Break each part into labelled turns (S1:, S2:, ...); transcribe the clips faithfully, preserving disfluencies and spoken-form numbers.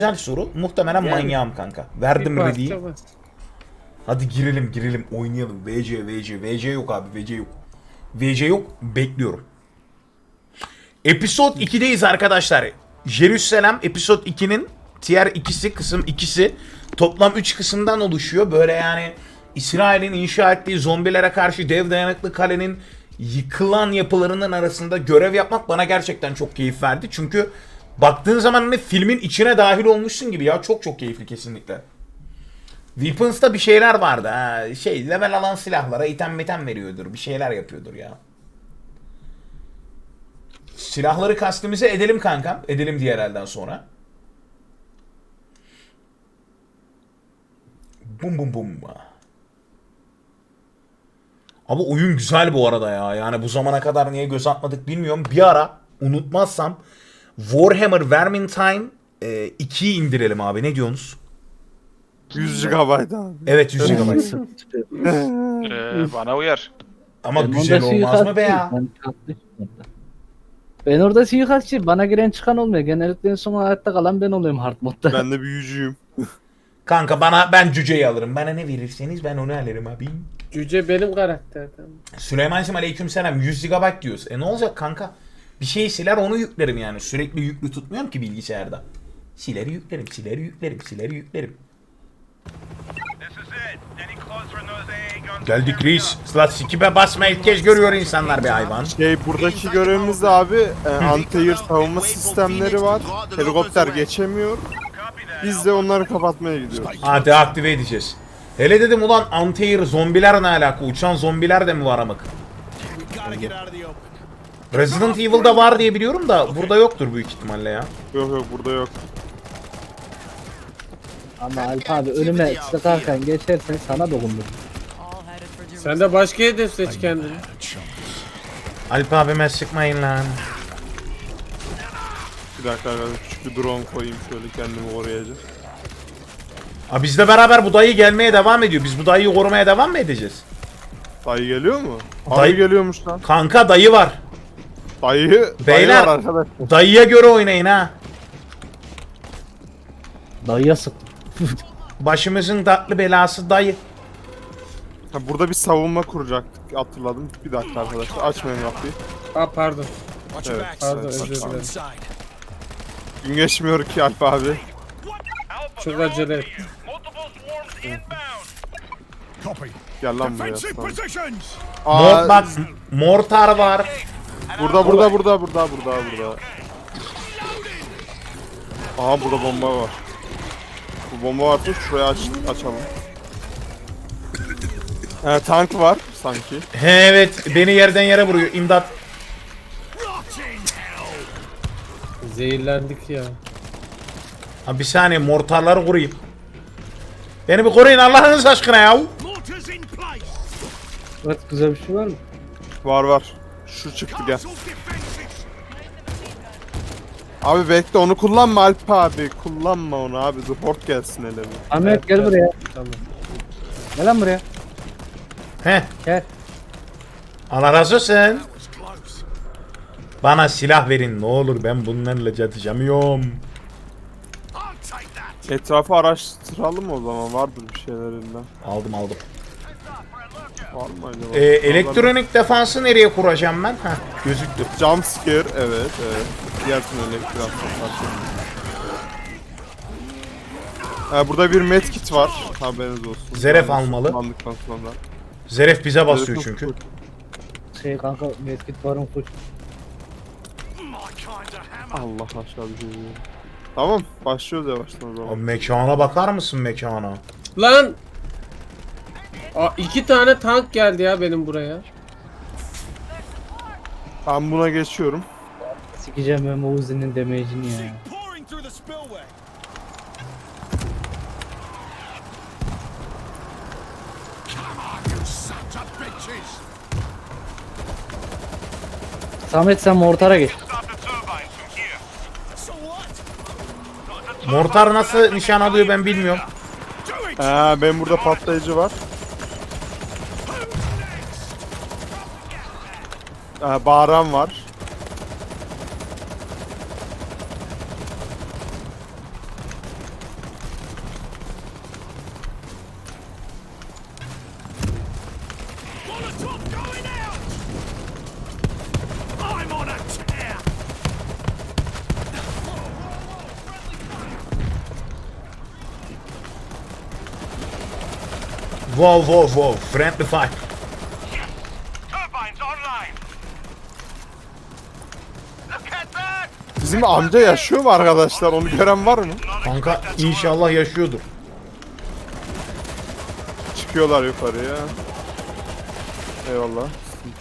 S1: Güzel soru. Muhtemelen yani, manyağım kanka. Verdim ready'yi. Hadi girelim girelim oynayalım. V C V C V C yok abi V C yok. V C yok, bekliyorum. Episode ikideyiz arkadaşlar. Jerusalem Episode ikinin Tier ikisi kısım ikisi toplam üç kısımdan oluşuyor. Böyle yani İsrail'in inşa ettiği zombilere karşı dev dayanıklı kalenin yıkılan yapılarının arasında görev yapmak bana gerçekten çok keyif verdi. Çünkü baktığın zaman hani filmin içine dahil olmuşsun gibi ya, çok çok keyifli kesinlikle. Weapons'ta bir şeyler vardı ha. Şey, level alan silahlara item item veriyordur. Bir şeyler yapıyordur ya. Silahları kastimize edelim kankam. Edelim diğer elden sonra. Bum bum bum. Abi oyun güzel bu arada ya. Yani bu zamana kadar niye göz atmadık bilmiyorum. Bir ara unutmazsam Warhammer Vermintide e, ikiyi indirelim abi. Ne diyorsunuz?
S2: yüz gigabayt abi.
S1: Evet yüz gigabayt.
S3: ee, bana uyar.
S1: Ama
S4: Ben
S1: güzel olmaz mı be ya?
S4: Ben, ben orada suikastçıyım. Bana giren çıkan olmuyor. Genellikle en son hayatta kalan ben oluyorum hard modda.
S2: Ben de büyücüyüm.
S1: Kanka bana, ben cüceyi alırım. Bana ne verirseniz ben onu alırım abi.
S5: Cüce benim karakterden.
S1: Süleyman'cığım aleykümselam, yüz gigabayt diyoruz. E ne olacak kanka? Bir şeyi siler onu yüklerim yani. Sürekli yüklü tutmuyorum ki bilgisayarda. Siler yüklerim, siler yüklerim, siler yüklerim. Geldik reis. Sıla sikibe basma ilk kez görüyor insanlar bir hayvan.
S2: Şey, buradaki görevimiz de abi e, anti-air savunma sistemleri var. Helikopter geçemiyor. Biz de onları kapatmaya gidiyoruz.
S1: Ha, deaktive edeceğiz. Hele dedim ulan anti-air zombiler ne alaka? Uçan zombiler de mi var amık? Resident Evil'da var diye biliyorum da burada yoktur büyük ihtimalle ya.
S2: Yok yok, burada yok.
S4: Ama Alp abi önüme sıkarken geçersen sana dokundur.
S5: Sen de başka hedef seç kendini.
S1: Alp abime sıkmayın lan.
S2: Bir dakika arkadaşlar, küçük bir drone koyayım şöyle kendimi koruyacağım.
S1: Aa, bizle beraber bu dayı gelmeye devam ediyor. Biz bu dayıyı korumaya devam mı edeceğiz?
S2: Dayı geliyor mu?
S1: Dayı-
S2: Dayı geliyormuş lan.
S1: Kanka dayı var.
S2: Dayı, dayı
S1: Beyler.
S2: var arkadaş.
S1: Dayıya göre oynayın ha.
S4: Dayıya sık.
S1: Başımızın tatlı belası dayı.
S2: Ha, burada bir savunma kuracaktık, hatırladım. Bir dakika arkadaşlar, açmayın kapıyı.
S5: Aa pardon.
S2: Evet,
S5: Pardon
S2: evet,
S5: özür
S2: pardon.
S5: dilerim.
S2: Gün geçmiyor ki Alp abi.
S5: Çok acele et.
S2: Gel lan buraya. aslanım.
S1: Mor,
S2: Aa,
S1: bak mortar var.
S2: burada burada burada burada burada burada. Aha, burada bomba var. Bu bomba varsa şuraya aç, açalım. Ee, tank var sanki.
S1: He, evet beni yerden yere vuruyor. İmdat.
S5: Zehirlendik ya.
S1: Ha, bir saniye mortarları kurayım. Beni bir koruyun Allah'ınız aşkına ya.
S4: Evet, güzel bir şey var mı?
S2: Var var. Şu çıktı, gel. Abi bekle, onu kullanma Alp abi. Kullanma onu abi. Dur, hort gelsin hele bir.
S4: Ahmet gel buraya.
S5: Tamam.
S4: Gel lan buraya.
S1: He.
S4: Gel.
S1: Allah razı olsun. Bana silah verin ne olur, ben bunlarla çatışamıyorum.
S2: Etrafı araştıralım o zaman. Vardır bir şeylerinden.
S1: Aldım aldım.
S2: Var mı acaba?
S1: Ee, elektronik defansı nereye kuracağım ben? Heh, gözüktü.
S2: Jump scare, evet evet. Diğer tüm elektrik atmak. Ee, burada bir medkit var. Haberiniz olsun.
S1: Zeref
S2: Yani
S1: almalı.
S2: kullandıktan sonra.
S1: Zeref bize basıyor
S2: Zeref
S1: çünkü.
S4: Şey kanka medkit varım kuş.
S2: Allah aşağı bir şey diyor. Tamam, başlıyoruz yavaştan o
S1: Abi
S2: zaman.
S1: mekana bakar mısın mekana?
S5: Lan! Aa, iki tane tank geldi ya benim buraya.
S2: Ben buna geçiyorum.
S4: Sikeceğim ben Uzi'nin damage'ini ya. Samet sen mortara geç.
S1: Mortar nasıl nişan alıyor ben bilmiyorum.
S2: Ee, ben burada patlayıcı var. Ee, bağıran var.
S1: Wow wow wow. Friendly fire.
S6: Turbines online. Look at that.
S2: Bizim amca yaşıyor mu arkadaşlar? Onu gören var mı?
S1: Kanka inşallah yaşıyordur.
S2: Çıkıyorlar yukarıya. Eyvallah.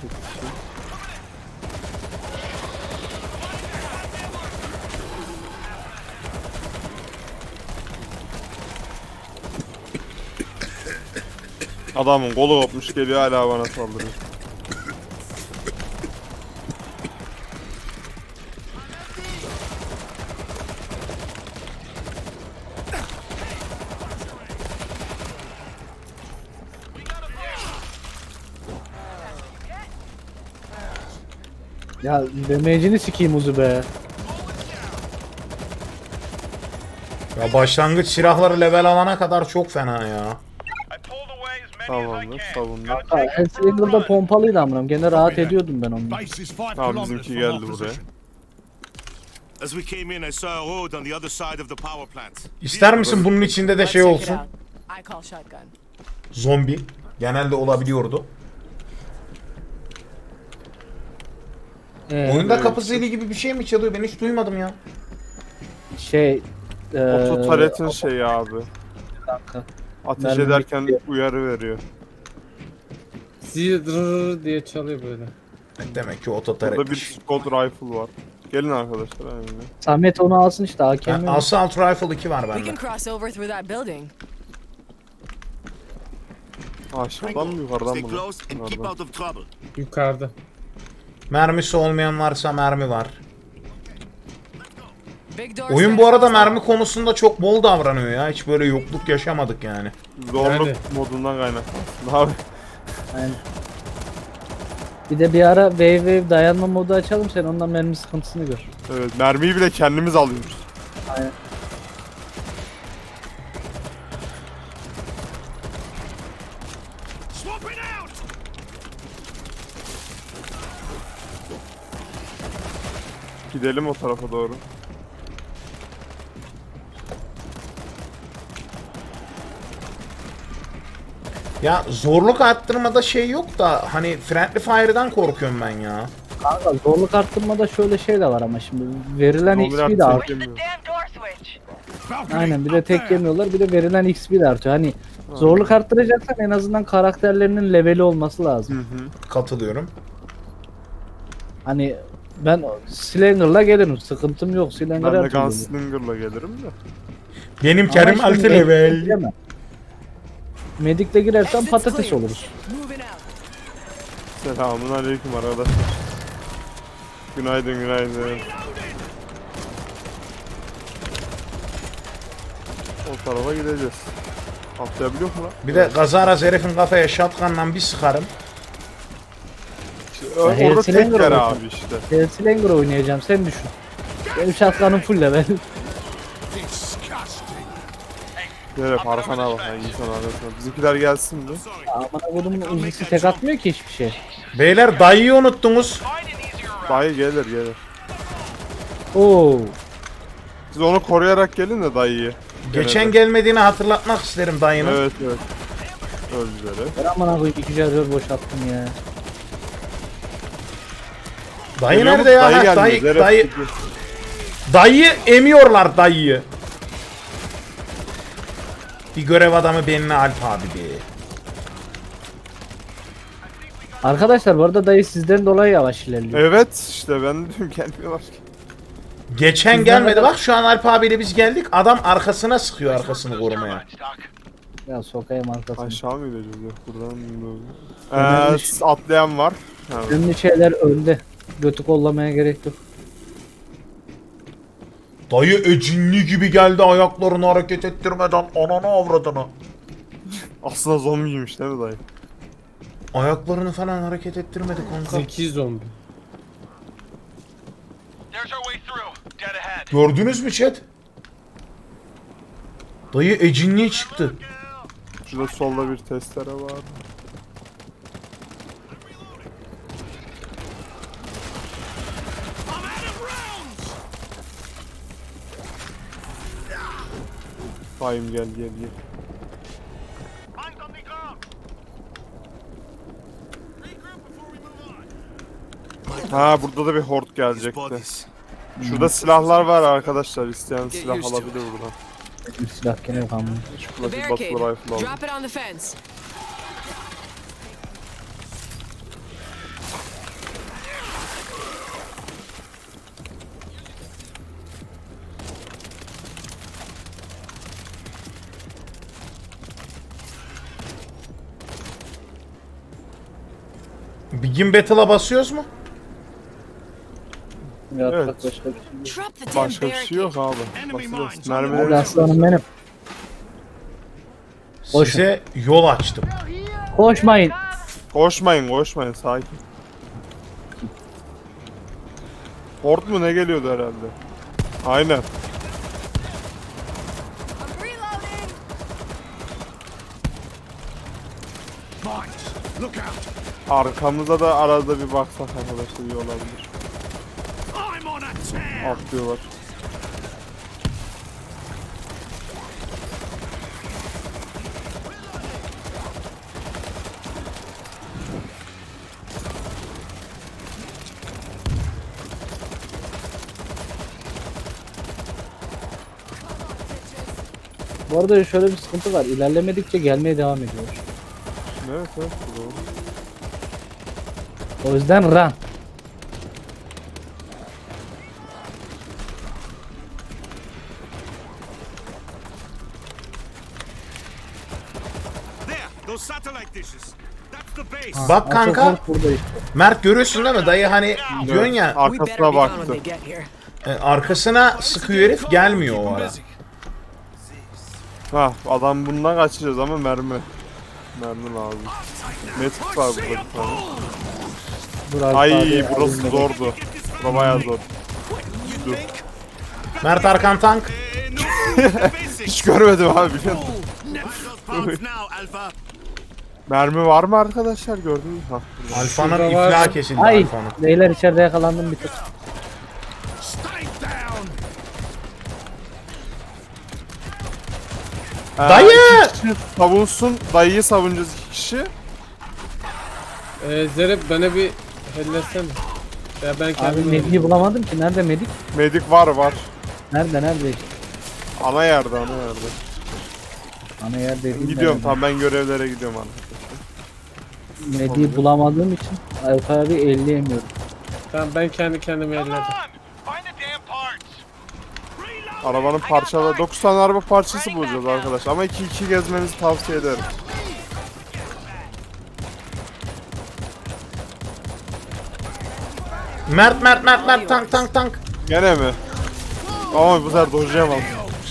S2: Adamın kolu kopmuş geliyor hala bana saldırıyor.
S4: Ya demecini sikeyim Uzi be.
S1: Ya başlangıç silahları level alana kadar çok fena ya.
S6: I pulled away as many as I
S2: Tamamdır,
S6: can.
S2: savunduk.
S4: Ha, Hellslinger'da pompalıydı amınam. Gene rahat ediyordum ben onu.
S7: Base is five
S2: Tamam
S7: kilometers
S2: bizimki
S7: from our
S2: geldi buraya.
S7: position. As we came in, I saw a road on the other side of the power plant.
S1: İster misin bunun içinde de şey olsun?
S8: I call shotgun.
S1: Zombi. Genelde olabiliyordu.
S4: Ee,
S1: Oyunda kapı zili gibi bir şey mi çalıyor? Ben hiç duymadım ya.
S4: şey... Ee,
S2: Ototaletin şeyi abi.
S4: kanka.
S2: Ateş
S4: Mermi
S2: ederken
S4: bekliyor.
S2: uyarı veriyor.
S5: Zırrrr diye çalıyor böyle.
S1: Demek ki
S2: Burada bir
S1: ototaretmiş.
S2: squad rifle var. Gelin arkadaşlar aynen.
S4: Samet onu alsın işte A K M.
S1: Ha, Assault Rifle iki var
S8: We
S1: bende.
S8: can cross over through that building.
S2: Aşağıdan mı yukarıdan
S7: Stay
S2: mı?
S7: close and keep
S2: Yukarıdan.
S7: out of trouble.
S5: Yukarıda.
S1: Mermisi olmayan varsa mermi var.
S8: Big door.
S1: Oyun bu arada mermi konusunda çok bol davranıyor ya. Hiç böyle yokluk yaşamadık yani.
S2: Zorluk
S5: Yani.
S2: modundan kaynaklı. Abi
S4: Aynen. Bir de bir ara wave wave dayanma modu açalım, sen ondan mermi sıkıntısını gör.
S2: evet, mermiyi bile kendimiz alıyoruz.
S4: Aynen.
S7: Swapping out!
S2: Gidelim o tarafa doğru.
S1: Ya zorluk arttırmada şey yok da hani Friendly Fire'dan korkuyorum ben ya.
S4: Kanka zorluk arttırmada şöyle şey de var ama şimdi verilen X
S2: Zombiler
S4: P de artıyor.
S2: tek yemiyor.
S7: Valkyrie,
S4: Aynen, bir de
S7: up
S4: tek
S7: there.
S4: yemiyorlar, bir de verilen X P de artıyor. Hani zorluk arttıracaksan en azından karakterlerinin leveli olması lazım.
S2: Hı hı.
S1: Katılıyorum.
S4: Hani ben Slanger'la gelirim, sıkıntım yok. Slanger'a
S2: Ben de
S4: atıyorum.
S2: Gunslinger'la gelirim de.
S1: Benim
S4: Ama
S1: Kerim
S4: şimdi
S1: altı
S4: Medic'le
S1: level.
S4: giremem. Medic'le girersen patates oluruz.
S8: Moving out.
S2: Selamun aleyküm arkadaşlar. Günaydın günaydın. O tarafa gideceğiz. Atlayabiliyor mu lan?
S1: Bir de Gazaraz herifin kafaya shotgun'la bir sıkarım.
S2: Ö- Orada
S4: Hellslinger
S2: tek yer
S4: olacak.
S2: abi işte.
S4: Slanger oynayacağım, sen düşün. Benim şatkanım full level.
S2: Nereye arkana bak yani insan arasına. Bizimkiler gelsin mi?
S4: Aman kodumun uzisi tek atmıyor ki hiçbir şey.
S1: Beyler dayıyı unuttunuz.
S6: Find an easier route.
S2: Dayı gelir gelir.
S4: Oo.
S2: Siz onu koruyarak gelin de dayıyı.
S1: Geçen
S2: Gene de.
S1: gelmediğini hatırlatmak isterim dayının.
S2: Evet evet. Öldüleri.
S4: Ben aman koyayım iki şarjör boşalttım ya.
S1: Dayı
S2: Geliyor mu?
S1: nerede ya?
S2: Dayı
S1: Ha,
S2: gelmiyor.
S1: Dayı,
S2: Zeref
S1: dayı,
S2: gidiyor.
S1: dayı emiyorlar dayıyı. Bir görev adamı benimle Alp abi diye.
S4: Arkadaşlar bu arada dayı sizden dolayı yavaş ilerliyor.
S2: Evet işte ben de diyorum gelmiyorlar ki.
S1: Geçen
S4: Bizden
S1: gelmedi
S4: de-
S1: bak şu an Alp abiyle biz geldik. Adam arkasına sıkıyor arkasını korumaya.
S4: Ya sokayım arkasını.
S2: Aşağı mı gideceğiz yok buradan mı?
S4: Önemli
S2: Eee s- atlayan var. Ha,
S4: Önemli şeyler önde. Götü kollamaya gerek yok.
S1: Dayı ecinli gibi geldi ayaklarını hareket ettirmeden ananı avradını.
S2: aslında zombiymiş değil mi dayı?
S1: Ayaklarını falan hareket ettirmedi kanka.
S5: Zeki zombi.
S6: There's our way through. Dead ahead.
S1: Gördünüz mü chat? Dayı ecinli çıktı.
S2: Şurada solda bir testere var. Bayım gel gel gel.
S6: Hands on the ground.
S2: Ha burada da bir horde
S7: These
S2: gelecekti.
S7: bodies.
S2: Şurada silahlar var arkadaşlar. İsteyen silah alabilir buradan.
S4: Bir silah gene yok ama.
S2: Şu
S8: The
S2: klasik
S8: barricade.
S2: battle rifle aldım.
S8: Drop it on the fence.
S1: Begin Battle'a basıyoruz mu?
S4: Yapacak
S2: Evet.
S4: başka bir şey yok.
S8: Drop the damn
S2: Başka bir şey yok
S8: barricade.
S2: abi.
S7: Enemy
S2: Basıyoruz.
S7: mines.
S4: Hadi
S2: Mermileri
S4: aslanım benim. Boş.
S1: Size yol açtım.
S4: Koşmayın.
S2: koşmayın koşmayın sakin. Horde mu ne geliyordu herhalde? Aynen.
S8: I'm reloading.
S7: Mines. Look out.
S2: Arkamıza da arada bir baksak arkadaşlar iyi olabilir.
S7: I'm on a tear.
S2: Atlıyorlar.
S4: Bu arada şöyle bir sıkıntı var. İlerlemedikçe gelmeye devam ediyor.
S2: Evet evet doğru.
S4: O yüzden run.
S7: There. Those satellite dishes. That's the base.
S1: Bak kanka,
S4: Atatürk burada işte.
S1: Mert görüyorsun değil mi? Dayı hani diyorsun ya
S8: We better
S2: Arkasına
S8: be gone when
S2: baktı.
S8: they get here.
S1: e, arkasına sıkıyor herif, gelmiyor o ara.
S2: Ha adam bundan kaçacağız ama mermi. Mermi lazım. Metik var burada bir tane.
S4: Dur abi,
S2: Ay
S4: abi,
S2: burası
S4: abi.
S2: zordu. Bura bayağı zor. Dur.
S1: Mert arkan tank.
S7: Eh, no food for basics.
S2: Hiç görmedim abi biliyor musun?
S7: Never those pounds now, Alpha.
S2: Mermi var mı arkadaşlar gördünüz mü? Ha, burada.
S1: Alfa'nın
S5: Şurada var.
S1: iflah kesildi
S4: Ay
S1: Alfa'nın.
S4: beyler içeride yakalandım bir tık.
S7: Stay down.
S2: Ha,
S1: Dayı!
S2: iki kişi savunsun. Dayıyı savunacağız iki kişi.
S5: Ee, Zerep bana bir hellesene. Ya ben
S4: Abi
S5: kendim
S4: Medik'i bulamadım ki. Nerede Medik?
S2: Medik var var.
S4: Nerede nerede işte.
S2: Ana yerde ana yerde.
S4: Ana yer dediğim
S2: Gidiyorum
S4: nerede?
S2: tamam ben görevlere gidiyorum ana.
S4: Medik'i bulamadığım için Alfa abi elleyemiyorum.
S5: Tamam ben kendi kendime
S6: Come
S5: elledim.
S6: on. Find the damn parts.
S2: Arabanın parçaları dokuz tane araba parçası bulacağız arkadaş ama iki iki gezmenizi tavsiye ederim.
S1: Mert Mert Mert Mert tank tank tank.
S2: Gene mi? Ama bu sefer dojlayamam.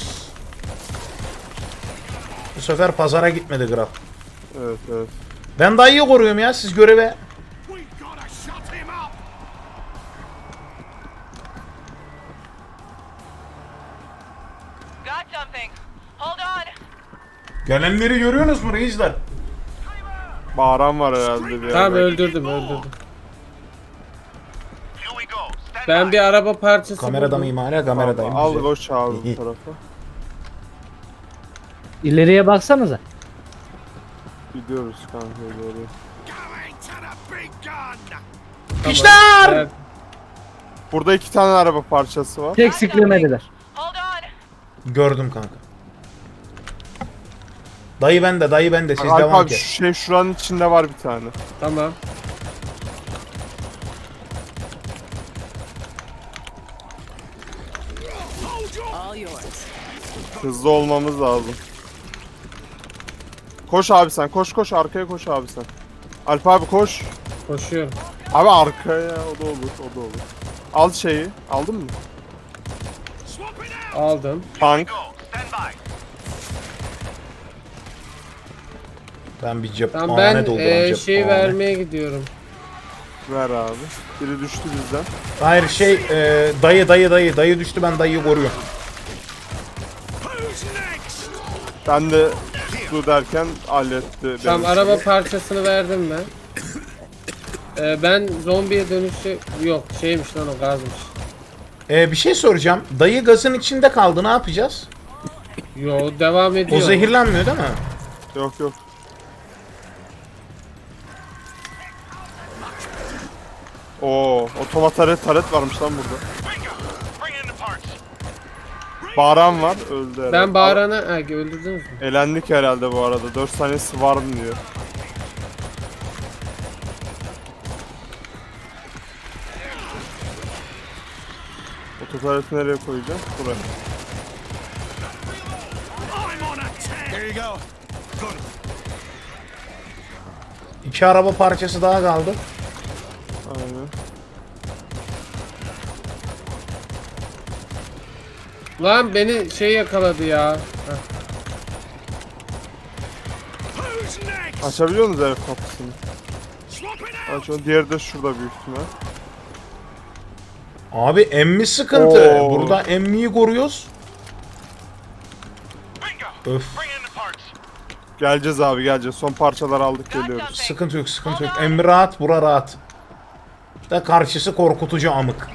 S1: Bu sefer pazara gitmedi Graf.
S2: Evet evet.
S1: Ben dayıyı koruyorum ya, siz göreve.
S7: We gotta shut him up.
S8: Got something. Hold on.
S1: Gelenleri görüyorsunuz mu reisler?
S2: Bağıran var herhalde bir
S5: Tamam
S2: yerde.
S5: öldürdüm öldürdüm.
S6: Here we go. Stand
S5: Ben
S6: by.
S5: bir araba parçası
S1: Kamerada
S5: buldum.
S1: mıyım hala? Kameradayım.
S2: Al
S1: Güzel.
S2: koş abi bu
S1: İyi.
S2: tarafa.
S4: İleriye baksanıza.
S2: Gidiyoruz kanka doğru.
S7: Going to the big gun.
S5: Tamam.
S1: İşler!
S5: Evet.
S2: Burada iki tane araba parçası var.
S4: Tek siklemediler.
S8: Hold on.
S1: Gördüm kanka. Dayı bende, dayı bende. Siz
S2: Alp
S1: devam
S2: abi
S1: ki.
S2: şu şey şuranın içinde var bir tane.
S5: Tamam.
S8: All yours.
S2: Hızlı olmamız lazım. Koş abi sen koş koş arkaya koş abi sen. Alp abi koş.
S5: Koşuyorum.
S2: Abi arkaya o da olur o da olur. Al şeyi aldın mı?
S7: Swap it out.
S5: Aldım.
S2: Tank.
S6: Go. Stand by.
S1: Ben bir cep
S5: Tamam
S1: Aa,
S5: ben
S1: ne dolduran
S5: e,
S1: cep
S5: şey
S1: Aa, ne?
S5: vermeye gidiyorum.
S2: Ver abi. Biri düştü bizden.
S1: Hayır şey e, dayı dayı dayı dayı düştü, ben dayıyı koruyorum.
S7: Who's next?
S2: Ben de su derken halletti.
S5: Tamam
S2: benim
S5: araba
S2: şeyi.
S5: parçasını verdim ben. Ee, ben zombiye dönüşü yok şeymiş lan o gazmış.
S1: E, bir şey soracağım. Dayı gazın içinde kaldı, ne yapacağız?
S5: Yo devam ediyor.
S1: O zehirlenmiyor değil mi?
S2: Yok yok. Oo, otomat taret taret varmış lan burada.
S6: Bingo! Bring in the parts.
S2: Bağıran var, öldü herhalde.
S5: Ben bağırana... Ha, öldürdünüz mü?
S2: Elendik herhalde bu arada. dört saniyesi var mı diyor. Ototareti nereye koyacağız? Buraya.
S7: I'm on a tear. There you go. Got it.
S1: İki araba parçası daha kaldı.
S2: Aynen.
S5: Lan beni şey yakaladı ya. Heh.
S7: Who's next?
S2: Açabiliyor musunuz ev kapısını?
S7: Swap it out.
S2: Aç onu. Diğeri de şurada büyük ihtimal.
S1: Abi emmi sıkıntı.
S2: Oo.
S1: Burada emmiyi koruyoruz.
S6: Bingo!
S1: Öf.
S6: Bring in the parts.
S2: Geleceğiz abi geleceğiz. Son parçalar aldık geliyoruz.
S1: Sıkıntı yok, sıkıntı yok. Emmi rahat, bura rahat. Da karşısı korkutucu amık.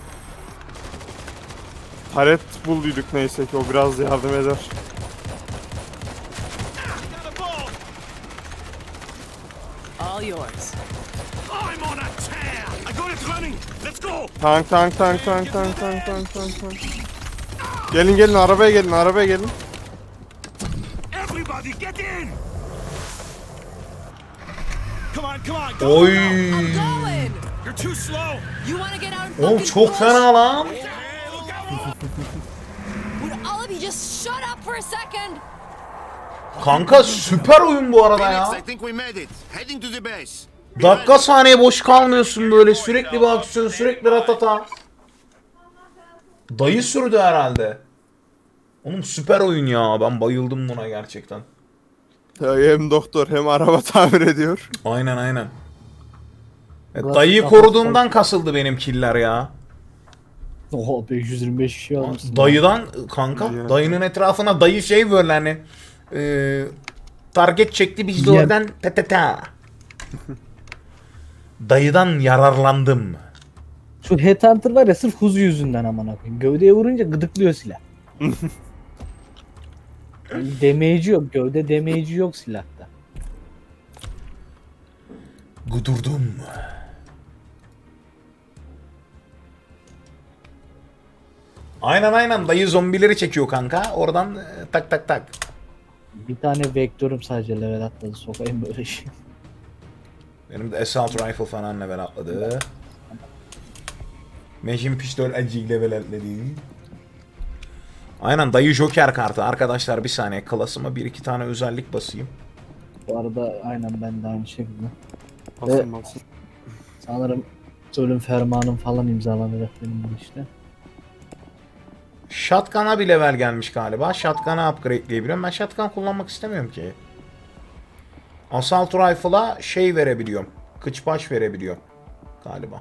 S2: Taret bulduyduk neyse ki o biraz yardım eder.
S7: Got a ball.
S8: All yours.
S7: I'm on a tear. I got it running. Let's go.
S2: Tank tank tank tank tank tank tank tank tank. Gelin gelin arabaya gelin arabaya gelin.
S7: Everybody get in. Come on, come on. Go.
S1: Oy.
S8: I'm going.
S7: You're too slow.
S8: You want to get out and
S1: Oğlum
S8: fucking
S1: çok
S8: push?
S1: fena lan.
S7: Hey, look out.
S8: Would all of you just shut up for a second?
S1: Kanka süper oyun bu arada ya.
S7: I think we made it. Heading to the base.
S1: Dakika saniye boş kalmıyorsun böyle. Sürekli bir aksiyon, sürekli ratata. Dayı sürdü herhalde. Oğlum süper oyun ya. Ben bayıldım buna gerçekten.
S2: Ya hem doktor hem araba tamir ediyor.
S1: Aynen aynen. E,
S4: Biraz
S1: dayıyı
S4: daha
S1: koruduğumdan kasıldı benim killer ya.
S4: Oho beş yüz yirmi beş kişi almışsın.
S1: Dayıdan kanka, dayının etrafına dayı şey böyle hani e, target çekti biz de
S4: Yem.
S1: oradan ta ta ta. Dayıdan yararlandım.
S4: Şu Headhunter var ya sırf huzu yüzünden aman koyayım. Gövdeye vurunca gıdıklıyor silah. Yani damage'i yok. Gövde damage'i yok silahta.
S1: Gudurdum. Aynen aynen dayı zombileri çekiyor kanka. Oradan e, tak tak tak.
S4: Bir tane vektörüm sadece level atladı. Sokayım böyle şey.
S1: Benim de assault rifle falan level atladı. Machine pistol acık level atladı. Aynen dayı joker kartı. Arkadaşlar bir saniye klasıma bir iki tane özellik basayım.
S4: Bu arada aynen ben de aynı şekilde.
S2: Basın basın.
S4: Sanırım ölüm fermanım falan imzalanacak benim bu işte.
S1: Shotgun'a bir level gelmiş galiba. Shotgun'a upgrade'leyebiliyorum. Ben shotgun kullanmak istemiyorum ki. Assault Rifle'a şey verebiliyorum. Kıçbaş verebiliyorum. Galiba.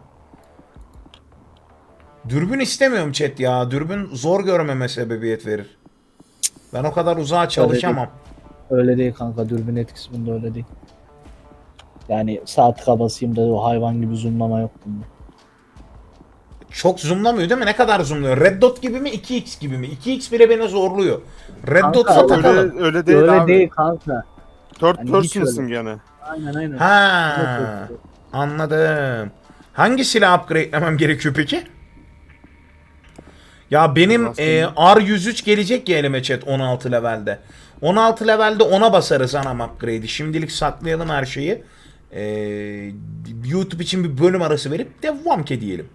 S1: Dürbün istemiyorum chat ya. Dürbün zor görmeme sebebiyet verir. Ben o kadar uzağa çalışamam.
S4: Öyle değil kanka, dürbün etkisi bunda öyle değil. Yani sağ tıka basayım da o hayvan gibi zoomlama yok bunda.
S1: Çok zoomlamıyor değil mi? Ne kadar zoomluyor? Red Dot gibi mi? iki x gibi mi? iki x bile beni zorluyor. Red
S4: Kanka,
S1: Dot'a
S2: Öyle,
S1: takalım.
S2: öyle değil
S4: öyle
S2: abi.
S4: değil kanka.
S2: Third
S4: Yani hiç
S2: person'sın
S4: öyle.
S2: gene.
S4: Aynen aynen.
S1: Ha, anladım. Hangi silah upgrade'lemem gerekiyor peki? Ya benim
S2: Nasıl?
S1: e, R yüz üç gelecek ya elime chat on altı levelde. on altı levelde ona basarız anam upgrade'i. Şimdilik saklayalım her şeyi. E, YouTube için bir bölüm arası verip devam ki diyelim.